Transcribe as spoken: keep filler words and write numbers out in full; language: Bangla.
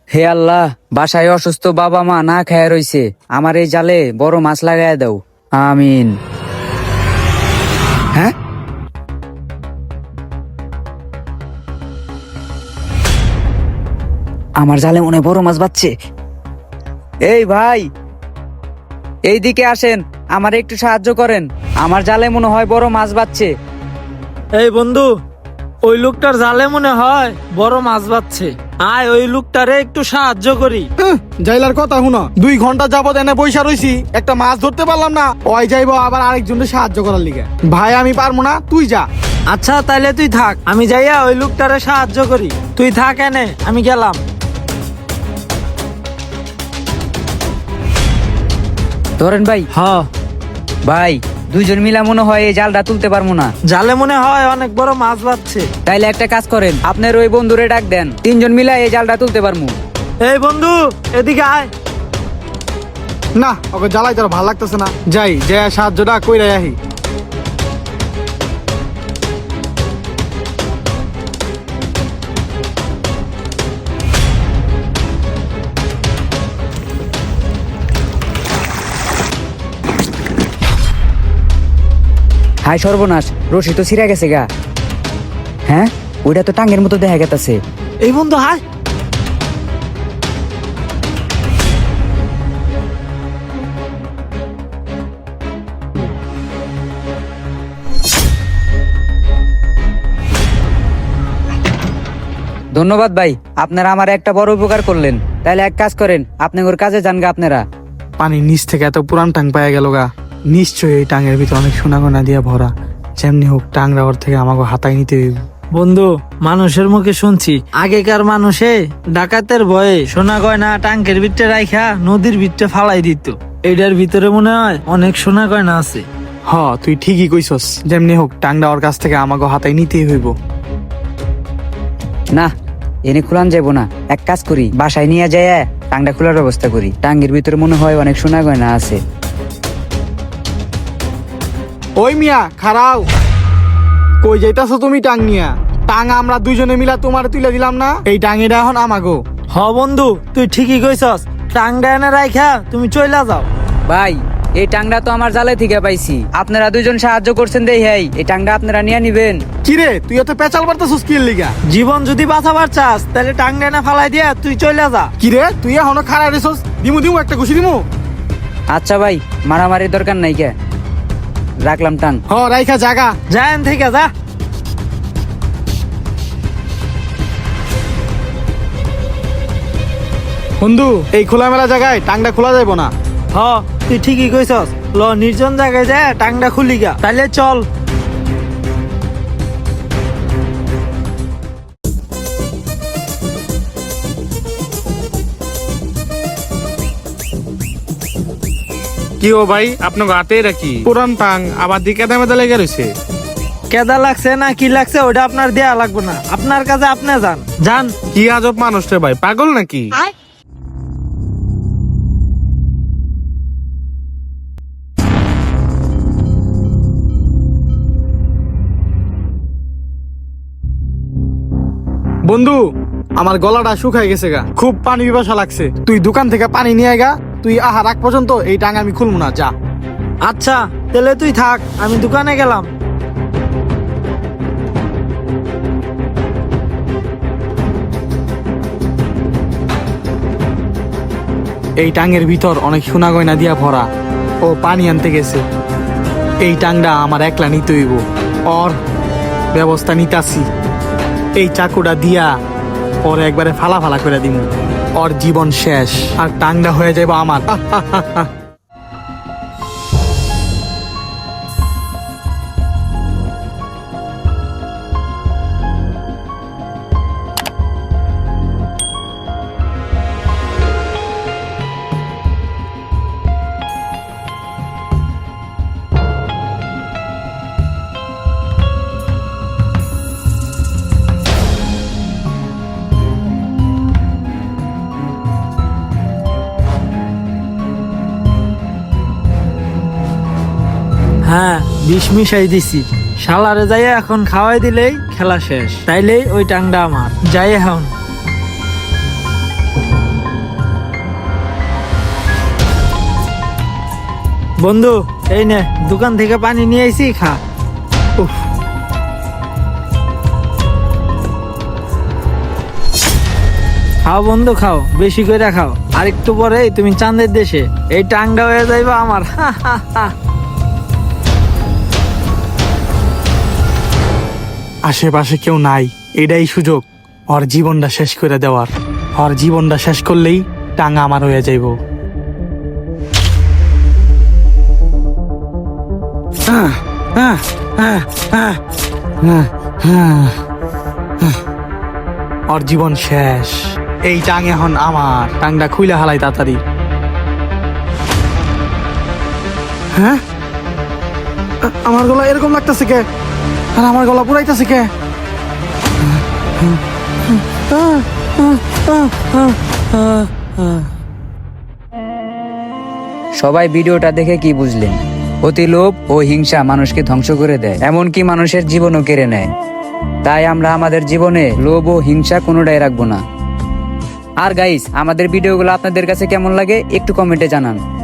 হে আল্লাহ, বাসায় অসুস্থ বাবা মা না খায় রইছে, আমার এই জালে বড় মাছ লাগায় দাও, আমিন। হ্যাঁ, আমার জালে মনে হয় বড় মাছ বাচ্ছে। এই ভাই, এইদিকে আসেন, আমার একটু সাহায্য করেন, আমার জালে মনে হয় বড় মাছ বাচ্ছে। এই বন্ধু, ওই লোকটার জালে মনে হয় বড় মাছ বাচ্ছে। আয় ওই লোকটারে একটু সাহায্য করি। হ্যাঁ, জাইলার কথা শুনো, দুই ঘন্টা যাবত এনে পয়সা রইছি, একটা মাছ ধরতে পারলাম না। ওই যাইবো আবার আরেকজনের সাহায্য করার লিগে। ভাই আমি পারবো না, তুই যা। আচ্ছা তাইলে তুই থাক, আমি যাইয়া ওই লোকটারে সাহায্য করি। তুই থাক এনে, আমি গেলাম। ধরেন ভাই। হ, ভাই, দুইজন মিলা মনে হয় এই জালটা তুলতে পারবো না। জালে মনে হয় অনেক বড় মাছ বাচ্ছে। তাইলে একটা কাজ করেন, আপনার ওই বন্ধুরে ডাক দেন, তিনজন মিলা এই জালটা তুলতে পারবো। এই বন্ধু, এদিকে আয়। না, ওকে জ্বালাই তোর ভালো লাগতেছে না। যাই, যে সাহায্যটা কইরাই আহি। হাই সর্বনাশ, রশি তো ছিঁড়া গেছে গা। হ্যাঁ, ওইটা তো টাঙ্গের মতো দেখা গেছে। এই বন্ধু হায়। ধন্যবাদ ভাই, আপনারা আমার একটা বড় উপকার করলেন। তাইলে এক কাজ করেন, আপনি ওর কাজে যান গা আপনারা। পানির নিচ থেকে এত পুরান টাং পাওয়া গেল গা। নিশ্চয়ই এই টাঙের ভিতরে অনেক সোনা গয়না দিয়া ভরা। যেমনি হোক টাংরা ওর থেকে আমাকে হাতায় নিতে হইব। বন্ধু, মানুষের মুখে শুনছি আগেকার মানুষে ডাকাতের ভয়ে সোনা গয়না টাঙ্কের ভিতরে রাইখা নদীর ভিতরে ফালাই দিত। এটার ভিতরে মনে হয় অনেক সোনা গয়না আছে। হ, তুই ঠিকই কইছস। যেমনি হোক টাংরা ওর কাছ থেকে আমাকে হাতায় নিতেই হইব। না, এনে খুলান যাবো না। এক কাজ করি, বাসায় নিয়ে যায় টাংটা খোলার ব্যবস্থা করি। টাঙ্গের ভিতরে মনে হয় অনেক সোনা গয়না আছে। ওই মিয়া খারাও, কই যাইতাছো তুমি টাং নিয়া? টাং আমরা দুইজনে মিলা তোমার তুলে দিলাম না, এই টাঙিটা এখন আমাগো। হ বন্ধু, তুই ঠিকই কইছস। টাঙ্গা এনে রাইখা তুমি চইলা যাও। ভাই, এই টাংটা তো আমার জালে থেকে পাইছি, আপনারা দুজন সাহায্য করছেন দেই। হ্যাঁ, এই টাংটা আপনারা নিয়ে নিবেন। কিরে, তুই এত পেঁচাল পারতাছিস কি লিগা? জীবন যদি বাঁচাবার চাস তাহলে টাঙ্গা এনে ফালাই দিয়া তুই চইলা যা। কিরে, তুই এখনো খাড়া রেছস? দিমু দিমু একটা ঘুষি দিমু। আচ্ছা ভাই, মারামারির দরকার নাই, কে রাখলাম টাং। হ, রাইখা জাগা। যা এন থেকে যা। বন্ধু, এই খোলামেলা জায়গায় টাংটা খোলা যাইব না। হ, তুই ঠিকই কইছস। ল, নির্জন জায়গায় যায় টাংটা খুলি গা। তাইলে চল। কি ও ভাই, আপনার হাতে রাখি পুরান টাং আবার দিকে দামে লেগে রয়েছে। কেদা লাগছে না কি লাগছে ওটা আপনার দেয়া লাগবে না, আপনার কাছে আপনি যান যান। কি আজব মানুষ রে ভাই, পাগল নাকি? বন্ধু, আমার গলাটা শুকাই গেছে গা, খুব পানি পিপাসা লাগছে। তুই দোকান থেকে পানি নিয়ে গা। তুই আহা রাখ পর্যন্ত এই টাং আমি খুলবো না, যা। আচ্ছা তাহলে তুই থাক, আমি দোকানে গেলাম। এই টাঙের ভিতর অনেক সোনা গয়না দিয়া ভরা। ও পানি আনতে গেছে। এই টাংটা আমার একলা নিতে হইব। ওর ব্যবস্থা নিতাছি। এই চাকুটা দিয়া ওর একবারে ফালা ফালা করে দিব। ওর জীবন শেষ, আর টাংটা হয়ে যাবে আমার। হ্যাঁ, বিষ মিশাই দিছি। শালারে যাইয়া এখন খাওয়াই দিলেই খেলা শেষ। তাইলেই ওই টাংটা আমার। যাই এখন। বন্ধু এই নে দোকান থেকে পানি নিয়ে আইছি, খা। উফ, খাও বন্ধু খাও, বেশি করে খাও। আর একটু পরে তুমি চাঁদের দেশে, এই টাংটা হয়ে যাইবা আমার। আশেপাশে কেউ নাই, এটাই সুযোগ ওর জীবনটা শেষ করে দেওয়ার। ওর জীবনটা শেষ করলেই টাঙ্গা আমার হয়ে যাইব। আহ, আহ, আহ, আহ, আহ, আহ, আহ। ওর জীবন শেষ, এই টাং এখন আমার। টাংটা খুইলে হালাই তাড়াতাড়ি। হ্যাঁ, আ- আমার গলা এরকম লাগতেছে কে? আর আমার গলা পুরাইতেছে কে? সবাই ভিডিওটা দেখে কি বুঝলেন? অতি লোভ ও হিংসা মানুষকে ধ্বংস করে দেয়, এমনকি মানুষের জীবনও কেড়ে নেয়। তাই আমরা আমাদের জীবনে লোভ ও হিংসা কোনোটাই রাখবো না। আর গাইস, আমাদের ভিডিওগুলো আপনাদের কাছে কেমন লাগে একটু কমেন্টে জানান।